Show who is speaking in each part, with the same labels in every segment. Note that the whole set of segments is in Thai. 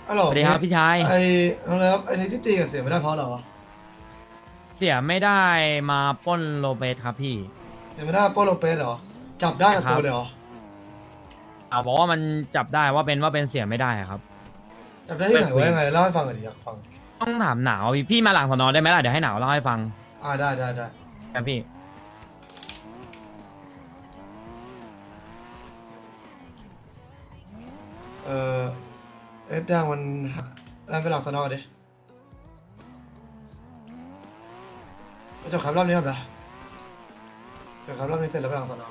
Speaker 1: อ๋อเหรอ
Speaker 2: สวัสดีครับพี่ชาย
Speaker 1: ไอ้น้องเลิฟไอ้นี่ที่ตีกับเสียไม่ได้เพราะอะไรวะ
Speaker 2: เสียไม่ได้มาปล้นโรเบสครับพี่
Speaker 1: เสียไม่ได้โปโลเปสเหรอจับได้กับ
Speaker 2: ครับ
Speaker 1: ตัวเลยเหรอ
Speaker 2: บอกว่ามันจับได้ว่าเป็นเสียไม่ได้อะครับ
Speaker 1: จับได้ที่ไหนวะยังไงเล่าให้ฟังหน่อยดิอยากฟัง
Speaker 2: ต้องถามหนาวพี่มาหลังสอนอได้ไหมล่ะเดี๋ยวให้หนาวเล่าให้ฟัง
Speaker 1: ได้
Speaker 2: ครับพี่
Speaker 1: เออเอ็ดดังมันไปหลังสนอดิไปจบครับรอบนี้ครับนะจบครับรอบนี้เสร็จแล้วไปหลังสน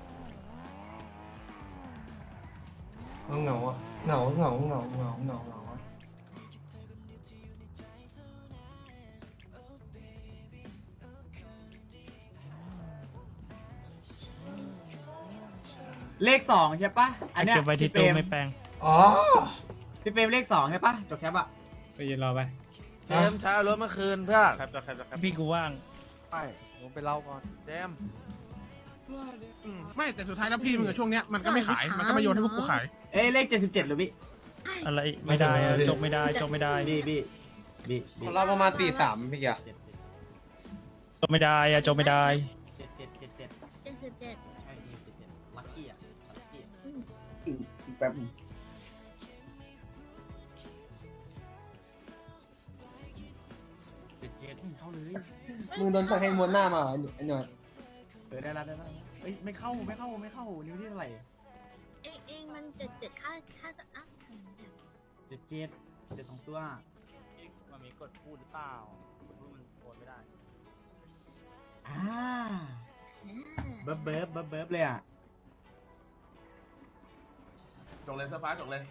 Speaker 1: อเหงาอะเหงาอะ
Speaker 3: เลขสองใช่ปะอันเนี้ย
Speaker 4: เก็บไว้ที่
Speaker 3: พี่เปร
Speaker 4: ตู้
Speaker 3: ม
Speaker 4: ไม่แปลง
Speaker 1: อ๋อ
Speaker 3: พี่เปรมเลขสองใช่ปะจบแคปอะ
Speaker 4: ไปยืนรอไป
Speaker 5: เจมส์ใช้เอารถเมื่อคืนเพื่อน
Speaker 4: พี่กูว่าง
Speaker 5: ไปผมไปเล่าก่อนเจมส์
Speaker 6: ไม่แต่สุดท้ายแล้วพี่มึงอะช่วงเนี้ยมันก็ไม่ขายมันก็มาโยนให้พวกกูขาย
Speaker 3: เอ้ยเลข77หรือพี่
Speaker 4: อะไรไม่ได้อะจบไม่ได้จบไม่ได้
Speaker 3: บี
Speaker 5: ของเราประมาณ43พี่อะ
Speaker 4: จบไม่ได้อะจบไม่ได้
Speaker 3: 77
Speaker 7: 77
Speaker 3: ใช่77ลัคกี้อะลัคกี้
Speaker 5: อีกแป๊บ
Speaker 3: 77เข้าเลย
Speaker 5: มึงโดนสักให้ม้วนหน้ามาเหรอไอ้หน่อย
Speaker 3: ได้แล้วเอ้ยไม่เข้านิ้วที่เท่าไหร่
Speaker 7: เองมัน77ค่าจะอ่ะ
Speaker 3: 77สองตัว
Speaker 4: มันมีกดพูดหรือเปล่าพูดมันโอนไม่ได้
Speaker 3: อ่าเบิร์บเลยอะ
Speaker 5: จกเลยเสื้อฟ้าจกเลย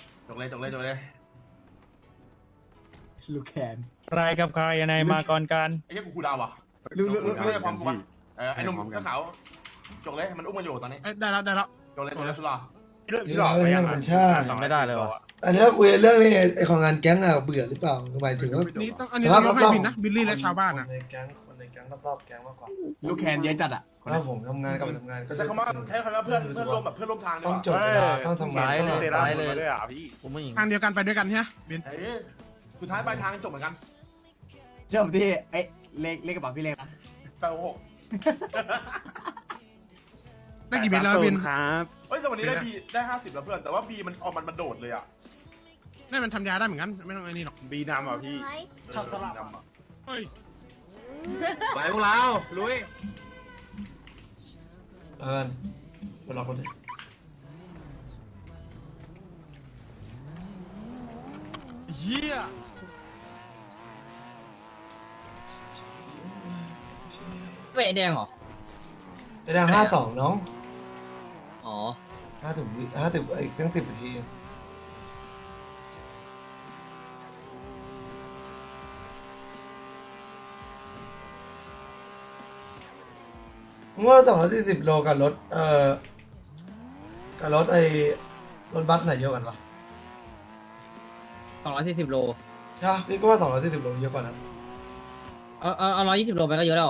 Speaker 3: ลูกแขน
Speaker 4: ใครกับใครยังไงมาก่อนกัน
Speaker 5: ไอ้เหี้ยกูคูดาวอ่ะ
Speaker 3: ลูก
Speaker 5: ไม่ได้พร้อมกูวะไอ้หนุ่มเสื้อขาวจกเลยมันอุ้มมันอยู่ตอนนี้
Speaker 6: เอ้ยได้แล้ว
Speaker 5: จกเลยสุดหรอ
Speaker 1: พี่หลอกไม่ยังใช่
Speaker 5: ไม่ได้เลยวะ
Speaker 1: อันนี้คุยเรื่องนี้ไอของงานแก๊งอะเบื่อหรือเปล่าหมายถึงว่า
Speaker 6: นี่ต้องอันนี้ต้องยกให้บินนะบิลลี่และชาวบ้าน
Speaker 1: ค
Speaker 6: อะ
Speaker 1: นในแก๊งรอบๆแก๊งมากกว่า
Speaker 3: ลูกแขนเยอะจัดอะ
Speaker 1: ถ้าผมทำงานกับทำงานก็
Speaker 5: ใช้คำว่าเพื่อนร่วมแบบเพื่อนร่วมทางดี
Speaker 1: ต้
Speaker 5: ก
Speaker 1: อง
Speaker 5: ว่า
Speaker 1: จดเวลาต้องทำงาน
Speaker 5: เลย
Speaker 1: ต้อง
Speaker 5: เลยด้วยอ่ะพี่ผมไม่หญิง
Speaker 6: ทางเดียวกันไปด้วยกันใช่ไหมบิน
Speaker 5: สุดท้ายปลายทางจบเหมือนกัน
Speaker 3: เชื่อผมที่เอ้ยเลขกระเป๋าพี่เลขนะ
Speaker 5: 866
Speaker 6: ได้กี่บินแล้วบิน
Speaker 5: เฮ้ยแต่วันนี้ได้50แล้วเพื่อนแต่ว่า B มันออกมันโดดเลยอ่ะ
Speaker 6: ได้มันทำยาได้เหมือนกันไม่ต้องไอ้นี่หรอก
Speaker 5: B นำอ่ะพี่
Speaker 3: ทำสลับ
Speaker 6: เฮ้ย
Speaker 5: ไปพวกเราลุย
Speaker 1: ไปล็อกรถดิ
Speaker 5: เฮีย
Speaker 2: เวแดงเหรอ
Speaker 1: ไอดัง52น้อง
Speaker 2: อ๋อ
Speaker 1: 50อีกตั้ง10 นาทีมึงว่า240 โลกับรถกับรถรถบัสไหนเยอะกันวะ
Speaker 2: 240 โล
Speaker 1: ใช่ปะพี่ก็ว่า240 โลเยอะกว่านั้น
Speaker 2: เอา120 โลไปก็เยอะแล้ว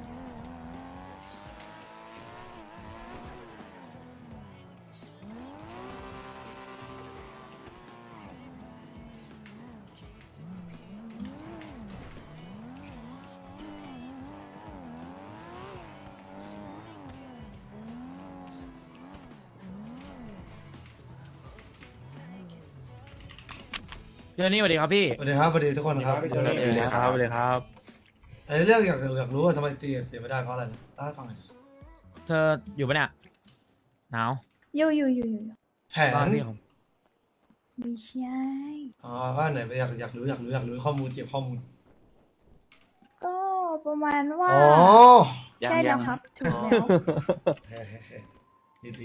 Speaker 2: พี่นี่สวัสดีครับพี่
Speaker 1: สวัสดีครับสวัสดีทุกคนครับ
Speaker 5: สวัสดีครับ
Speaker 1: ไอ้เรื่องอยากรู้ว่าทำไมตีไม่ได้เพราะอะไรนะเล่าให้ฟังหน่อยดิ
Speaker 2: เธออยู่ปะเนี่ยหนาว
Speaker 7: อยู่
Speaker 1: แผน
Speaker 2: บ้านพี่ผม
Speaker 7: ไม่ใช่
Speaker 1: อ๋อว่าไหนอยากรู้ข้อมูลเก็บข้อมูล
Speaker 7: ก็ประมาณว่า
Speaker 1: อ๋อ
Speaker 7: ใช่แล้วครับถูกแล้ว
Speaker 1: แค่ดี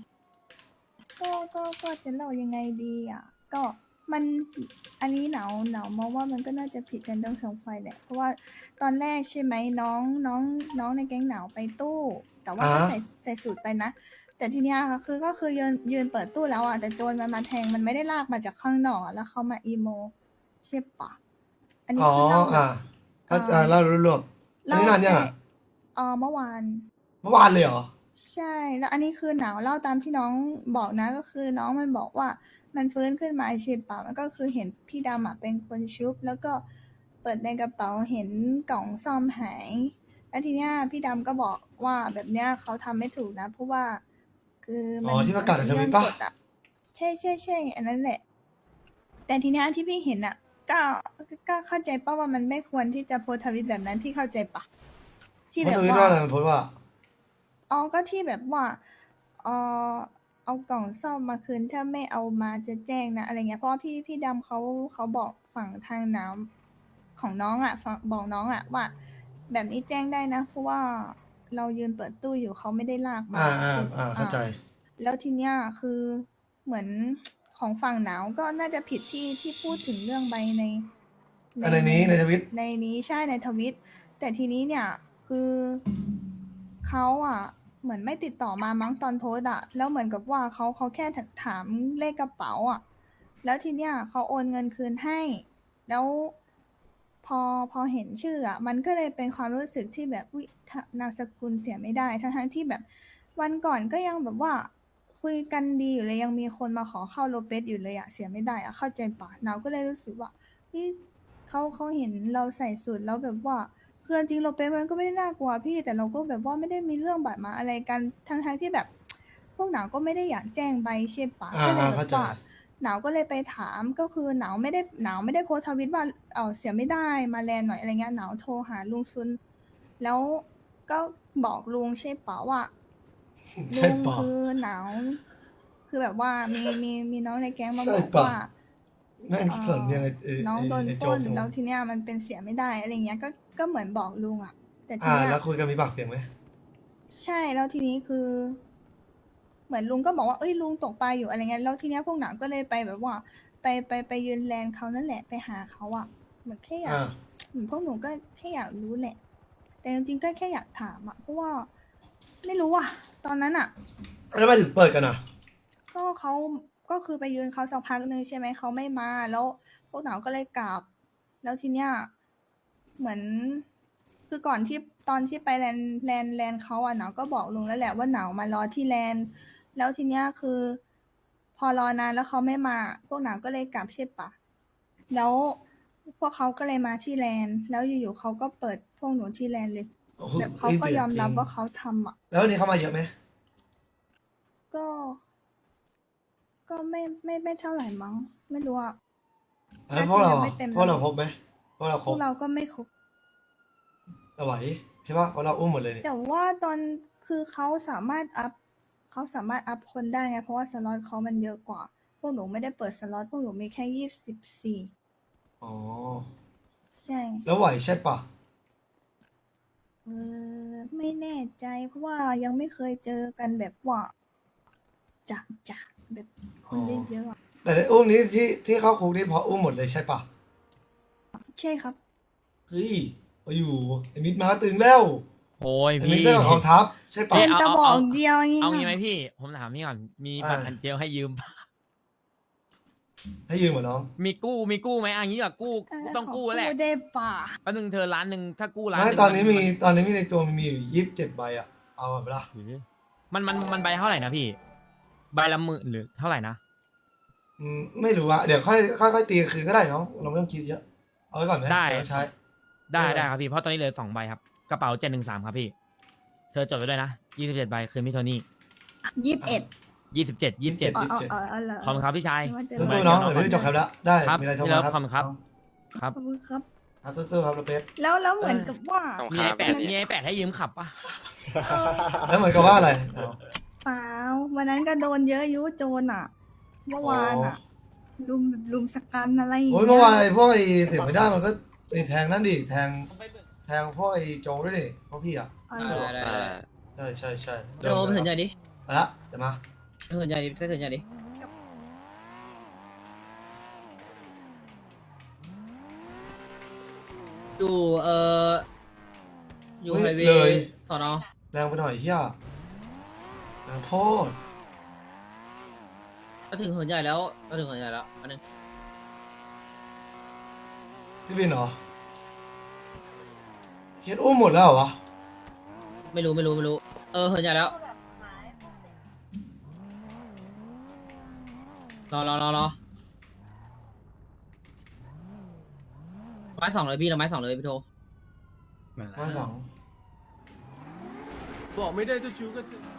Speaker 7: ก็จะเล่ายังไงดีอ่ะ ก็มันอันนี้หนาวมองว่ามันก็น่าจะผิดกันทั้งสองฝ่ายแหละเพราะว่าตอนแรกใช่ไหมน้องในแก๊งหนาวไปตู้ แต่ว่าก็ใส่สูตรไปนะ แต่ทีเนี้ยค่ะก็คือยืนเปิดตู้แล้วอ่ะแต่โจรมันมาแทงมันไม่ได้ลากมาจากข้างนอกอะแล้วเขามาอีโมใช่ปะอันนี้
Speaker 1: อ๋อ
Speaker 7: คือเล่า
Speaker 1: ถ้าเล่ารวบๆอันนี้นานยังอ่ะ
Speaker 7: เมื่อวาน
Speaker 1: เมื่อวานเลยเหรอ
Speaker 7: ใช่ แล้วอันนี้คือหนาวเล่าตามที่น้องบอกนะก็คือน้องมันบอกว่ามันฟื้นขึ้นมาใช่ปะมันก็คือเห็นพี่ดำอะเป็นคนชุบ แล้วก็เปิดในกระเป๋าเห็นกล่องซ่อมหาย แล้วทีเนี้ยพี่ดำก็บอกว่าแบบเนี้ยเขาทำไม่ถูกนะเพราะว่าคือมั
Speaker 1: อ๋อที่ประกาศในทวิตปะ
Speaker 7: เรื่องกฎอะใช่ใช่ใช่อันนั้นแหละ แต่ทีเนี้ยที่พี่เห็นอะก็เข้าใจป่ะว่ามันไม่ควรที่จะโพสต์ทวิตแบบนั้นพี่เข้าใจปะที่
Speaker 1: เพ
Speaker 7: แบ
Speaker 1: ราะ
Speaker 7: บ
Speaker 1: ทวิต
Speaker 7: ว่า
Speaker 1: ว่าอะไรมันโพสต์ว่า
Speaker 7: อ๋อก็ที่แบบว่าเออเอากล่องซ่อมมาคืนถ้าไม่เอามาจะแจ้งนะอะไรเงี้ยเพราะว่าพี่ดำเขาบอกฝั่งทางน้ำของน้องอ่ะฝั่งบอกน้องอ่ะว่า แบบนี้แจ้งได้นะ เพราะว่าเรายืนเปิดตู้อยู่เขาไม่ได้ลากมา
Speaker 1: เข้าใจ
Speaker 7: แล้วทีเนี้ยคือเหมือนของฝั่งหนาวก็น่าจะผิดที่พูดถึงเรื่องใบใน
Speaker 1: ในนี้ในทวิต
Speaker 7: ในนี้ใช่ในทวิต แต่ทีนี้เนี่ยคือเขาอ่ะเหมือนไม่ติดต่อมามั้งตอนโพสต์อ่ะแล้วเหมือนกับว่าเขาแค่ถามเลขกระเป๋าอ่ะแล้วทีเนี้ยเขาโอนเงินคืนให้ แล้วพอเห็นชื่ออ่ะมันก็เลยเป็นความรู้สึกที่แบบอุ๊ยนามสกุลเสียไม่ได้ทั้งที่แบบ วันก่อนก็ยังแบบว่าคุยกันดีอยู่เลยยังมีคนมาขอเข้าโลเปสอยู่เลยอะเสียไม่ได้อะเข้าใจปะเราก็เลยรู้สึกว่านี่เขาเห็นเราใส่สูทแล้วแบบว่าคือจริงโลเปสมันก็ไม่ได้น่ากลัวพี่แต่เราก็แบบว่าไม่ได้มีเรื่องบาดหมางอะไรกันทั้งที่แบบ พวกหนาวก็ไม่ได้อยากแจ้งใบใช่ปะก็เลยแบ
Speaker 1: เข้า
Speaker 7: บ
Speaker 1: ใจ
Speaker 7: ว่าหนาวก็เลยไปถามก็คือหนาวไม่ได้โพสต์ทวิตว่าเสียไม่ได้มาแลนหน่อยอะไรเงี้ยหนาวโทรหาลุงซุนแล้วก็บอกลุงใช่ปะว่า
Speaker 1: ใช่
Speaker 7: ลุง
Speaker 1: ปะ
Speaker 7: คือหนาวคือแบบว่ามีน้องในแก๊งมา
Speaker 1: ใช่
Speaker 7: บอก
Speaker 1: ปะ
Speaker 7: ว่า
Speaker 1: แม่งสนยังไง
Speaker 7: น้องโดน
Speaker 1: ไอ้
Speaker 7: ป
Speaker 1: โจ
Speaker 7: ล้
Speaker 1: ก
Speaker 7: น
Speaker 1: จัง
Speaker 7: แล้ว
Speaker 1: วะ
Speaker 7: ทีเนี้ยมันเป็นเสียไม่ได้อะไรเงี้ยก็เหมือนบอกลุงอ่ะ แต่ที
Speaker 1: อ่า
Speaker 7: เนี้ย
Speaker 1: แล้วคุยกันมีปากเสียงไหม
Speaker 7: ใช่แล้วทีนี้คือ เหมือนลุงก็บอกว่าเอ้ยลุงตกปลาอยู่อะไรเงี้ยแล้วทีเนี้ยพวกหนังก็เลยไปแบบว่า ไปยืนแลนเขานั่นแหละไปหาเขาอ่ะเหมือนแค่อยาก
Speaker 1: อ่า
Speaker 7: เหมือนพวกหนูก็แค่อยากรู้แหละ แต่จริงๆก็แค่อยากถามอ่ะเพราะว่า ไม่รู้อ่ะ ตอนนั้นอ่ะ
Speaker 1: แล้วทำไมถึงเปิดกันอ่ะ
Speaker 7: ก็เขาก็คือไปยืนเขาสักพักหนึ่งใช่ไหมเขาไม่มาแล้วพวกหนาวก็เลยกลับ แล้วทีเนี้ยเหมือนคือก่อนที่ตอนที่ไปแลนเขาอ่ะหนาวก็บอกลุงแล้วแหละว่าหนาวมารอที่แลนแล้วทีเนี้ยคือ พอรอนานแล้วเขาไม่มา พวกหนาวก็เลยกลับใช่ปะแล้วพวกเขาก็เลยมาที่แลนแล้วอยู่ๆเขาก็เปิดพวกหนูที่แลนเลย
Speaker 1: โอ้โห
Speaker 7: แบบเขาก็ยอมรับว่าเขาทำอ่ะ
Speaker 1: แล้ววันนี้เขามาเยอะไหม
Speaker 7: ก็ไม่เท่าไหร่มั้งไม่รู้อ่ะ
Speaker 1: แล้วพวกเรา
Speaker 7: ยัง
Speaker 1: อะ
Speaker 7: ไม่เต็ม
Speaker 1: พวกเราครบไหมพวกเรา
Speaker 7: พ
Speaker 1: คร
Speaker 7: ว
Speaker 1: บ
Speaker 7: กเราก็ไม่ครบ
Speaker 1: แต่ไหวใช่ปะเพราะเราอุ้มหมดเลยนี่
Speaker 7: แต่ว่าตอนคือเขาสามารถอัพคนได้ไงเพราะว่าสล็อตเขามันเยอะกว่า พวกหนูไม่ได้เปิดสล็อตพวกหนูมีแค่24
Speaker 1: อ๋อ
Speaker 7: ใช่
Speaker 1: แล้วไหวใช่ปะ
Speaker 7: ไม่แน่ใจเพราะว่ายังไม่เคยเจอกันแบบว่าจะแบบคนเยอะๆอะ
Speaker 1: แต่ในอุ้มนี้ที่เข้าคุกนี่เพราะอุ้มหมดเลยใช่ปะ
Speaker 7: ใช่ครับ
Speaker 1: เฮ้ยเอาอยู่ไอ้มิดมาตึงแล้ว
Speaker 2: โอ้ย
Speaker 1: ไอ้มิด
Speaker 2: พี่
Speaker 1: เจ้าของกองทัพใช่ปะ
Speaker 2: เอ้ย
Speaker 7: จะบอกเดียวงี้
Speaker 2: เอา
Speaker 7: นะ
Speaker 2: งี้ไหมพี่ ผมถามพี่ก่อน มีบัตรอันเจลให้ยืมปะ
Speaker 1: ให้ยืมเหรอน้อง
Speaker 2: มีกู้ไหมอันนี้ก่อนกู้ต้องกู้แหละ
Speaker 7: ขอได้ป่ะ
Speaker 2: แป๊บนึงเธอล้านหนึ่งถ้ากู้ล้านห
Speaker 1: ไม่
Speaker 2: นึ่ง
Speaker 1: ตอนนี้มีในตัวมีอยู่27 ใบอ่ะเอาแบบละ
Speaker 2: มันใบเท่าไหร่นะพี่ ใบละหมื่นหรือเท่าไหร่นะ
Speaker 1: ไม่รู้อะเดี๋ยวค่อยตีคืนก็ได้น้องเราไม่ต้องคิดเยอะเอาไว้ก่อนไหม
Speaker 2: ได้
Speaker 1: เยวใช้
Speaker 2: ได้ครับพี่ เพราะตอนนี้เหลือ2 ใบครับ กระเป๋า713ครับพี่ เธอจดไว้ด้วยนะ27 ใบคืนพี่โทนี่
Speaker 7: 21
Speaker 2: 27
Speaker 7: อ๋อเหรอ
Speaker 2: ขอบคุณครับพี่ชาย
Speaker 7: ไม่ว่าจะ
Speaker 1: สู้ๆน้องเดี๋ยวพี่จบครับแล้วได้
Speaker 2: ครับ
Speaker 1: มีอะไรโทร
Speaker 2: พี่เลิ
Speaker 1: มา
Speaker 2: ฟ
Speaker 1: ครับ
Speaker 2: ขอบคุณครับ ครับ
Speaker 7: ขอบคุณครับ
Speaker 1: ครับสู้ๆครับเราเป็ด
Speaker 7: แล้วเหมือนกับว่า
Speaker 2: มีไอแปดมีไอแปดให้ยืมขับปะ
Speaker 1: แล้วเหมือนกับว่าอะไร
Speaker 7: เปล่าวันนั้นก็โดนเยอะยุโจรอ่ะ เมื่อวานอ่ะลุมสกันอะไรอย่าง
Speaker 1: โอ้ย
Speaker 7: เงี้
Speaker 1: เมื่อวานไอ้พวกไอ้เสียไม่ได้มันก็ไอ้แทงนั่นดิแทงพวกไอ้โจงด้วยดิพวกพี่อ่ะ
Speaker 7: อ๋อเหรอ
Speaker 1: ใช่
Speaker 8: โดมถึงใหญ่ดิ
Speaker 1: เอาละเดี๋ยวมา
Speaker 8: ถึงใหญ่ดิถึงใหญ่ดิอยู่อยู่ไฮเว
Speaker 1: เลย
Speaker 8: ย์สอนอ
Speaker 1: แรงไปหน่อยเฮียแรงโพด
Speaker 8: ก็ถึงหัวใหญ่แล้วก็ถึงหัวใหญ่แล้วอันนึง
Speaker 1: พี่บินเหรอเคสอุ้มหมดแล้วเหรอวะ
Speaker 8: ไม่รู้หัวใหญ่แล้วรอไม้สองเลยพี่เราไม้สองเลยพี่โท
Speaker 1: มาสอง
Speaker 9: บอกไม่ได้เจ้าชู้ก็